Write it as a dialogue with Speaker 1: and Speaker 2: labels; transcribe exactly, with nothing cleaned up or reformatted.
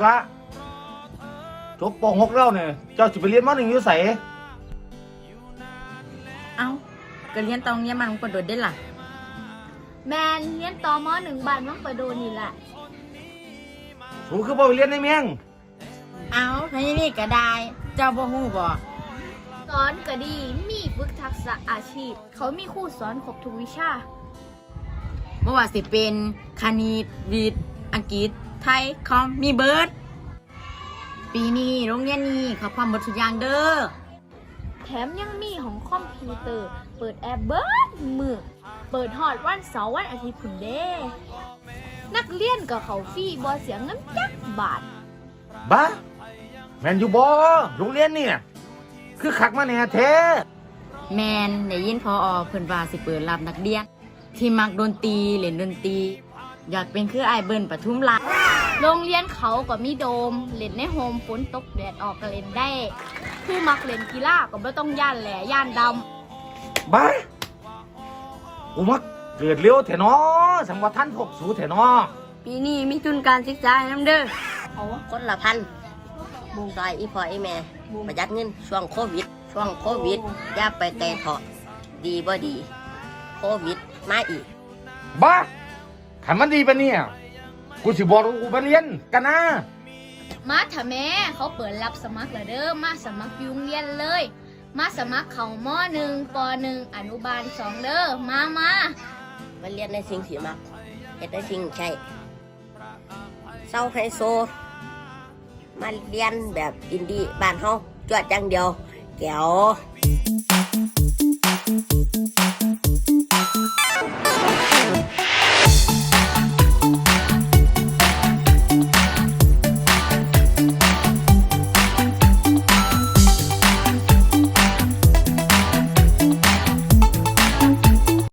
Speaker 1: ละจบป .หก แล้วเนี่ยเจ้าสิไปเรียนม .หนึ่ง อยู่ไส
Speaker 2: เอ้าก็เรียนตองเรียนมันก็โดดได้ล่ะ
Speaker 3: แมนเรียนต่อมอหนึ่งบ้านมังประโดนี่แหละ
Speaker 1: สูคือบ่ไปเรียนในเมียง
Speaker 2: เอ้าในนี่ก็ได้ เจ้าบ่ฮู้บ่
Speaker 3: สอนก็ดีมีฝึกทักษะอาชีพ เขามีครูสอนครบทุกวิชา
Speaker 2: บ่ว่าสิเป็นคณิตวิทย์อังกฤษไทยคอมมีเบิด ปีนี้โรงเรียนนี้เขาพร้อมหมดทุกอย่างเด้อ
Speaker 3: แถมยังมีของคอมพิวเตอร์ เปิดแอร์เบิร์ดมือเปิดฮอดวันเสาร์วันอาทิตย์พุ่นเด้ นักเรียนกับเขาฟรีบ่เสียเงินจักบาท
Speaker 1: บ้าแม่นอยู่บ่โรงเรียนเนี่ยคือคักมาแน่แท้
Speaker 2: แมนได้ยินพออเพิ่นว่าสิเปิดรับนักเรียน ที่มักดนตรีเล่นดนตรี อยากเป็นคือไอายเบิ้ลปทุมราช
Speaker 3: โรงเรียนเขาก็มีโดม เล่นในโฮมฝนตกแดดออกก็เล่นได้ ผู้มักเล่นกีฬาก็ไม่ต้องย่านแหล่ย่านด
Speaker 1: บ้ากูมักเกิดเร็วแท้น้อสังว่าท่านพวกสูแท้น้อ
Speaker 2: ปีนี้มีทุนการศึกษาให้นำเด้อ
Speaker 4: เอาคนละพันบุงซอยอีพออีแม่ประหยัดเงินช่วงโควิด ช่วงโควิดอย่าไปแต่เถาะดีบ่ดี โควิดมาอีก
Speaker 1: บ้าขันมันดีปะเนี่ยกูสิบอกว่ากูไปเรียนกันนะ
Speaker 3: ำมาถ้าแม่เขาเปิดรับสมัครแล้วเด้อมาสมัครอยุ่โรงเรียนเลย มาสมัครเขามหนึ่งปหนึ่งอนุบาลสองเด้อมามา
Speaker 4: มาเรียนในสิ่งที่มักเฮ็ดในสิ่งใช่เศร้าไฮโซ มาเรียนแบบอินดี้บ้านเฮาจวดอย่างเดียวแก้ว